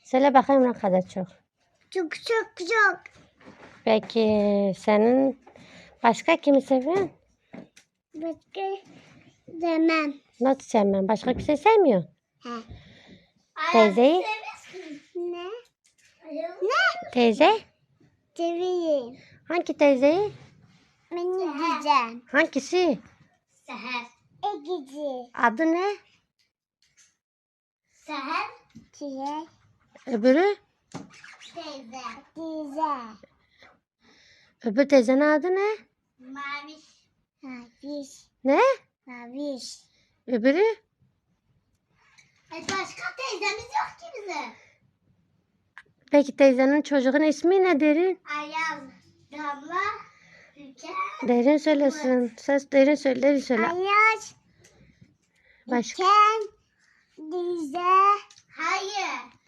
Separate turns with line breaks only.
Söyle bakayım ne kadar çok.
Çok çok çok.
Peki senin başka kimi seviyorsun?
Başka demem.
Nasıl sevmem? Başka kimse sevmiyor.
He.
Teyzeyi?
Ne?
Teyze?
Seveyim.
Hangi teyzeyi?
Beni diyeceğim.
Hangisi?
Seher. Egici.
Adı ne?
Seher. Çiğ.
Öbürü?
Teyze. Teyze.
Öbür teyzenin adı ne?
Maviş. Maviş.
Ne?
Maviş.
Öbürü?
Başka teyzemiz yok ki bizim.
Peki teyzenin çocuğun ismi ne derin?
Ayaz. Damla. Ülke.
Derin söylesin. Ses derin söyle. Derin söyle.
Ayaz.
Başka?
Ülken. Dize. Hayır.